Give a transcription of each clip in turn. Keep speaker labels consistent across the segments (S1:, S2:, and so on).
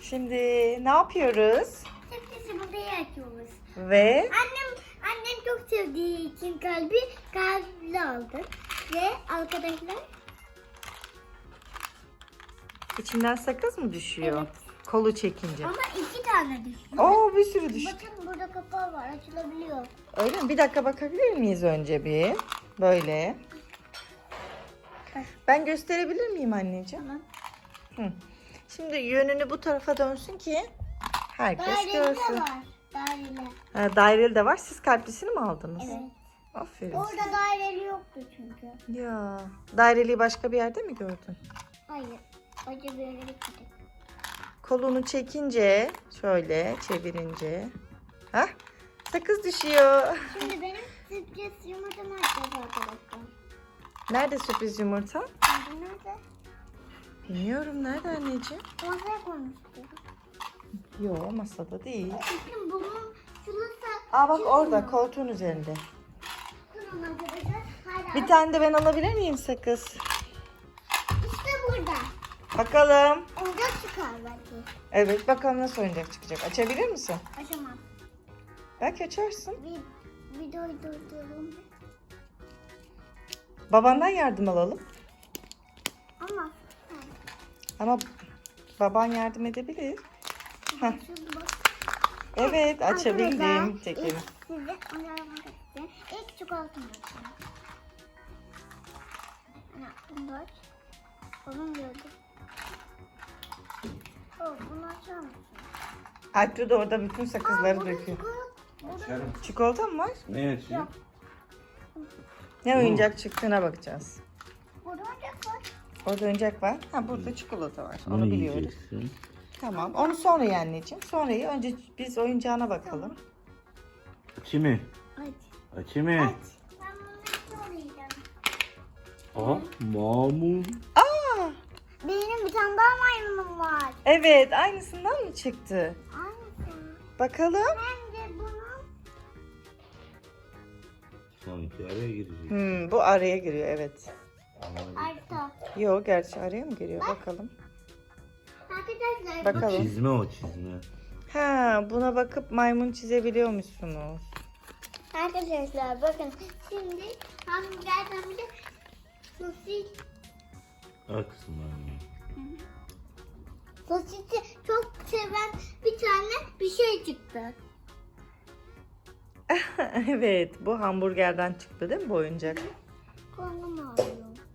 S1: Şimdi ne yapıyoruz?
S2: Sürprizi buraya açıyoruz.
S1: Ve
S2: Annem çok sevdiği için kalbi aldı. Ve arkadaşlar
S1: içinden sakız mı düşüyor?
S2: Evet.
S1: Kolu çekince.
S2: ama 2 tane düşüyor.
S1: Oo, bir sürü düştü.
S2: Bakın burada kapağı var, açılabiliyor.
S1: Öyle mi? Bir dakika bakabilir miyiz önce bir? Böyle. Ben gösterebilir miyim anneciğim?
S2: Tamam.
S1: Hı. Şimdi yönünü bu tarafa dönsün ki herkes
S2: Daireli de
S1: görsün.
S2: var. Daireli.
S1: Ha, daireli de var. Siz kalplisini mi aldınız?
S2: Evet.
S1: Aferin.
S2: Orada daireli yoktu çünkü.
S1: Ya, daireliği başka bir yerde mi gördün?
S2: Hayır. Acı böyle gittik.
S1: Kolunu çekince, şöyle çevirince. Hah, sakız düşüyor.
S2: Şimdi benim sürpriz yumurtamı açacağız arkadaşlar.
S1: Nerede sürpriz yumurta?
S2: Şimdi nerede?
S1: Bilmiyorum, nerede anneciğim?
S2: Masaya koymuştuk.
S1: Yok, masada değil.
S2: Bakın bunun şurası.
S1: Aa bak orada, koltuğun üzerinde.
S2: Durun arkadaşlar. Hala.
S1: Bir tane de ben alabilir miyim sakız?
S2: İşte burada.
S1: Bakalım.
S2: Oyuncak çıkar belki.
S1: Evet, bakalım nasıl oyuncak çıkacak. Açabilir misin?
S2: Açamam.
S1: Belki açarsın.
S2: Videoyu durduralım.
S1: Babandan yardım alalım.
S2: Ama.
S1: Ama baban yardım edebilir. Heh.
S2: Şurada bak.
S1: Evet, açabildim.
S2: Arkadaşlar,
S1: Çekelim.
S2: ilk size oynamak istedim. İlk çikolatamı açacağım. Ana, bunu da aç. Babam gördü. Oh, bunu açar mısın?
S1: Alptu da orada bütün sakızları
S2: burada
S1: döküyor.
S3: Açarım.
S1: Çikolata mı var?
S3: Ne açayım?
S2: Yok.
S1: Ne oyuncak çıktığına bakacağız.
S2: Burada oyuncak var.
S1: Orada oyuncak var. Ha, burada çikolata var. Onu
S3: Bunu
S1: biliyoruz.
S3: yiyeceksin.
S1: Tamam. Onu sonra ye anneciğim. Sonra ye. Önce biz oyuncağına bakalım.
S3: Açayım mı?
S2: Aç.
S3: Açayım mı?
S2: Aç. Ben bunu nasıl oynayacağım?
S3: Aha, mamun.
S1: Aa!
S2: Benim bir tane daha maymunum var.
S1: Evet. Aynısından mı çıktı?
S2: Aynısı.
S1: Bakalım.
S2: Ben de bunu...
S3: Sanki araya girecek.
S1: Bu araya giriyor. Evet.
S2: Arta.
S1: Yok, gerçi araya mı giriyor? Bakalım.
S2: Arkadaşlar
S1: Bak-
S3: O
S1: Bakalım.
S3: çizme o çizme.
S1: Ha, buna bakıp maymun çizebiliyormuşsunuz.
S2: Arkadaşlar bakın şimdi hamburgerden bir de sosis.
S3: Aksın
S2: Sosisi çok seven bir tane bir şey çıktı.
S1: Evet. Bu hamburgerden çıktı değil mi bu oyuncak?
S2: Karnım ağrıyor.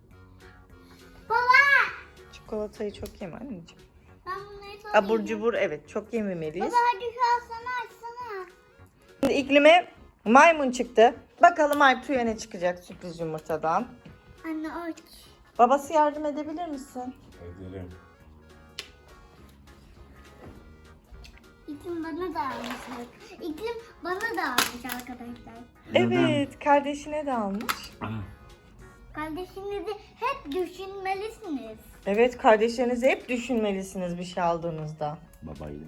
S2: Baba!
S1: Çikolatayı çok yeme anneciğim.
S2: Ben bunları çok
S1: Abur
S2: yiyeceğim.
S1: cubur evet çok yememeliyiz.
S2: Baba hadi şu alsana açsana.
S1: Şimdi iklime maymun çıktı. Bakalım Alptu'ya ne çıkacak sürpriz yumurtadan.
S2: Anne aç.
S1: Babası yardım edebilir misin?
S3: Ederim.
S2: İklim bana da almış. İklim bana da almış arkadaşlar.
S1: Evet, kardeşine de almış.
S2: Kardeşinizi hep düşünmelisiniz.
S1: Evet, kardeşlerinizi hep düşünmelisiniz bir şey aldığınızda.
S3: Babayla.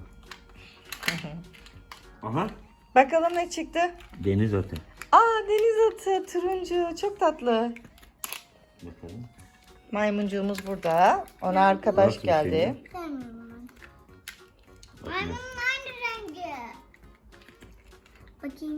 S3: Aha.
S1: Bakalım ne çıktı?
S3: Deniz atı.
S1: Aa, deniz atı, turuncu, çok tatlı.
S3: Bakalım.
S1: Maymuncuğumuz burada. Ona arkadaş
S3: Nasıl bir şey
S1: geldi.
S2: Sevmiyorum ben. Maymunun aynı rengi. Bakayım.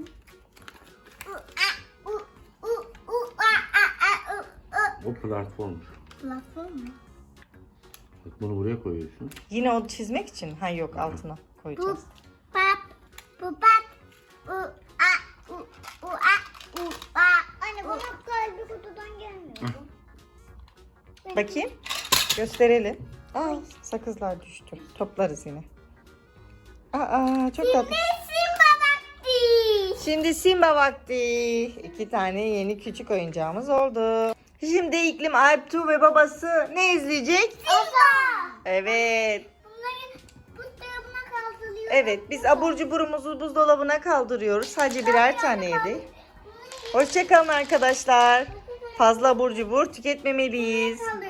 S3: O platform.
S2: Platform mu?
S3: Bak bunu buraya koyuyorsun.
S1: Yine o çizmek için. Ha yok, altına
S2: Bu
S1: koyacağız.
S2: pap. Bu pap. Bu a. Bu a. Bu a. Anne bunun kalbi kutudan gelmiyor.
S1: Bakayım. Gösterelim. Aa, sakızlar düştü. Toplarız yine. Aa, çok tatlı.
S2: Simba vakti.
S1: Şimdi Simba vakti. 2 tane yeni küçük oyuncağımız oldu. Şimdi iklim Alptu ve babası ne izleyecek?
S2: Simba.
S1: Evet.
S2: Bunları buzdolabına kaldırıyor.
S1: Evet, biz abur cuburumuzu buzdolabına kaldırıyoruz. Sadece birer tane yedik. Hoşçakalın arkadaşlar. Fazla abur cubur tüketmemeliyiz.